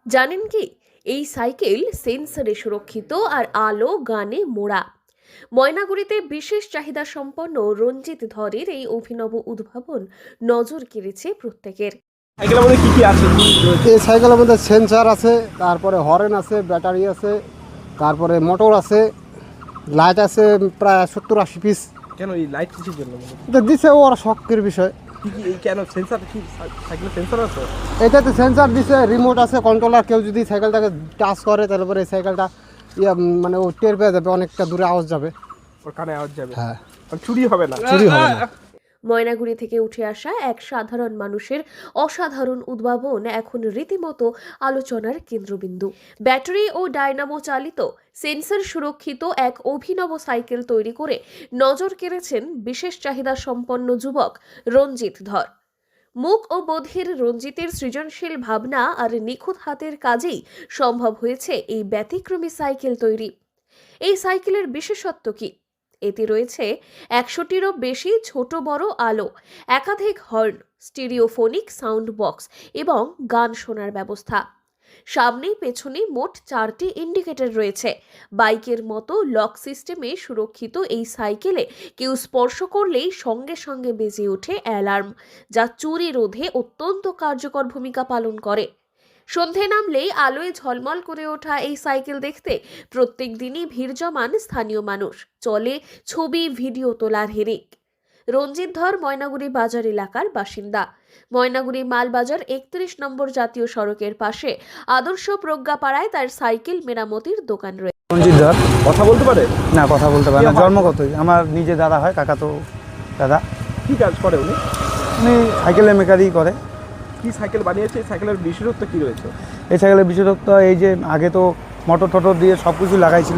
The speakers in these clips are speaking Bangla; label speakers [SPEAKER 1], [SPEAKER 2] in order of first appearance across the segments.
[SPEAKER 1] জানেন কি, এই সাইকেল সেন্সরে সুরক্ষিত আর আলো গানে মোড়া। ময়নাগুড়িতে বিশেষ চাহিদা সম্পন্ন রঞ্জিত ধরের এই অভিনব উদ্ভাবন নজর কেড়েছে প্রত্যেকের।
[SPEAKER 2] সাইকেলের মধ্যে কি আছে?
[SPEAKER 3] এই সাইকেলের মধ্যে সেন্সর আছে, তারপরে হর্ন আছে, ব্যাটারি আছে, তারপরে মোটর আছে, লাইট আছে প্রায় 70-80 পিস।
[SPEAKER 2] কেন এই লাইট কিসের জন্য?
[SPEAKER 3] এটা দিছে ওর শখের বিষয়।
[SPEAKER 2] কি কি এই কেন সেন্সর কি সাইকেলের সেন্সর আছে?
[SPEAKER 3] এটাতে সেন্সর দিছে, রিমোট আছে, কন্ট্রোলার। কেউ যদি সাইকেলটাকে টাচ করে তারপরে এই সাইকেলটা মানে ও টের পেয়ে যাবে, অনেকটা দূরে আওয়াজ যাবে।
[SPEAKER 2] ওর কানে আওয়াজ যাবে?
[SPEAKER 3] হ্যাঁ,
[SPEAKER 2] চুরি হবে না?
[SPEAKER 3] চুরি হবে না।
[SPEAKER 1] ময়নাগুড়ি থেকে উঠে আসা এক সাধারণ মানুষের অসাধারণ উদ্ভাবন এখন রীতিমতো আলোচনার কেন্দ্রবিন্দু। ব্যাটারি ও ডায়নামো চালিত সেন্সর সুরক্ষিত এক অভিনব সাইকেল তৈরি করে নজর কেড়েছেন বিশেষ চাহিদা সম্পন্ন যুবক রঞ্জিত ধর। মুখ ও বধির রঞ্জিতের সৃজনশীল ভাবনা আর নিখুঁত হাতের কাজেই সম্ভব হয়েছে এই ব্যতিক্রমী সাইকেল তৈরি। এই সাইকেলের বিশেষত্ব কি? এতে রয়েছে 100টিরও বেশি ছোট বড় আলো, একাধিক হর্ন, স্টিরিওফোনিক সাউন্ড বক্স এবং গান শোনার ব্যবস্থা। সামনে পেছনে মোট 4টি ইন্ডিকেটর রয়েছে। বাইকের মতো লক সিস্টেমে সুরক্ষিত এই সাইকেলে কেউ স্পর্শ করলেই সঙ্গে সঙ্গে বেজে ওঠে অ্যালার্ম, যা চুরি রোধে অত্যন্ত কার্যকর ভূমিকা পালন করে। সন্ধে নামলেই আলোয় ঝলমল করে ওঠা এই সাইকেল দেখতে প্রত্যেক দিনই ভিড় জমান স্থানীয় মানুষ। চলে ছবি ভিডিও তোলার হিড়িক। রঞ্জিত ধর ময়নাগুড়ি বাজার এলাকার বাসিন্দা। ময়নাগুড়ি মালবাজার 31 নম্বর জাতীয় সড়কের পাশে আদর্শ প্রজ্ঞাপাড়ায় তার সাইকেল মেরামতির দোকান রয়েছে।
[SPEAKER 4] রঞ্জিত ধর।
[SPEAKER 2] কথা বলতে পারে?
[SPEAKER 4] না, কথা বলতে পারে না, জন্মগতই। আমার নিজে দাদা হয়, কাকাতো দাদা।
[SPEAKER 2] কি কাজ করে উনি?
[SPEAKER 4] উনি সাইকেলের মেকারই করে।
[SPEAKER 2] কি সাইকেল বানিয়েছে? এই সাইকেলের বিশেষত্ব কি রয়েছে?
[SPEAKER 4] এই সাইকেলের বিশেষত্ব এই যে আগে তো মোটর টটর দিয়ে সব কিছু লাগাইছিল।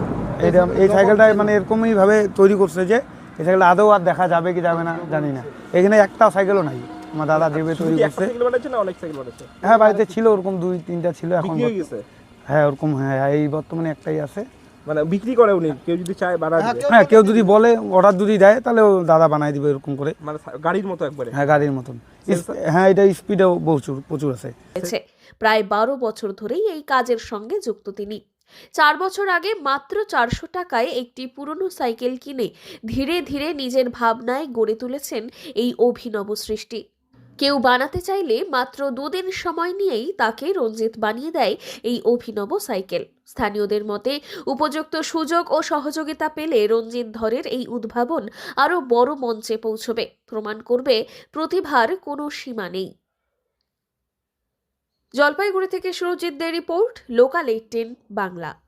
[SPEAKER 4] এই সাইকেলটা মানে এরকমইভাবে তৈরি করছে যে এই সাইকেলটা আদৌ আর দেখা যাবে কি যাবে না জানি না। এখানে একটা সাইকেলও নাই। আমার দাদা যেভাবে তৈরি
[SPEAKER 2] একটা
[SPEAKER 4] করছে।
[SPEAKER 2] সাইকেল বানাচ্ছে না অনেক সাইকেল বানাচ্ছে?
[SPEAKER 4] হ্যাঁ, বাড়িতে ছিল ওরকম 2-3টা ছিল, এখন
[SPEAKER 2] বিক্রি হয়ে গেছে?
[SPEAKER 4] হ্যাঁ ওরকম। হ্যাঁ, এই বর্তমানে একটাই আছে।
[SPEAKER 2] মানে বিক্রি করে উনি? কেউ যদি চায় বানায় দিবে?
[SPEAKER 4] হ্যাঁ, কেউ যদি বলে, অর্ডার যদি দেয়, তাহলে ও দাদা বানাই দিবে এরকম করে।
[SPEAKER 2] মানে গাড়ির মতো একবারে?
[SPEAKER 4] হ্যাঁ, গাড়ির মতন। হ্যাঁ, এটা স্পিডও প্রচুর আছে।
[SPEAKER 1] প্রায় 12 বছর ধরেই এই কাজের সঙ্গে যুক্ত তিনি। 4 বছর আগে মাত্র 400 টাকায় একটি পুরনো সাইকেল কিনে ধীরে ধীরে নিজের ভাবনায় গড়ে তুলেছেন এই অভিনব সৃষ্টি। কেউ বানাতে চাইলে মাত্র 2 দিন সময় নিয়েই তাকে রঞ্জিত বানিয়ে দেয় এই অভিনব সাইকেল। স্থানীয়দের মতে উপযুক্ত সুযোগ ও সহযোগিতা পেলে রঞ্জিত ধরের এই উদ্ভাবন আরও বড় মঞ্চে পৌঁছবে, প্রমাণ করবে প্রতিভার কোনো সীমা নেই। জলপাইগুড়ি থেকে সুরজিৎ দের রিপোর্ট, লোকাল 18 বাংলা।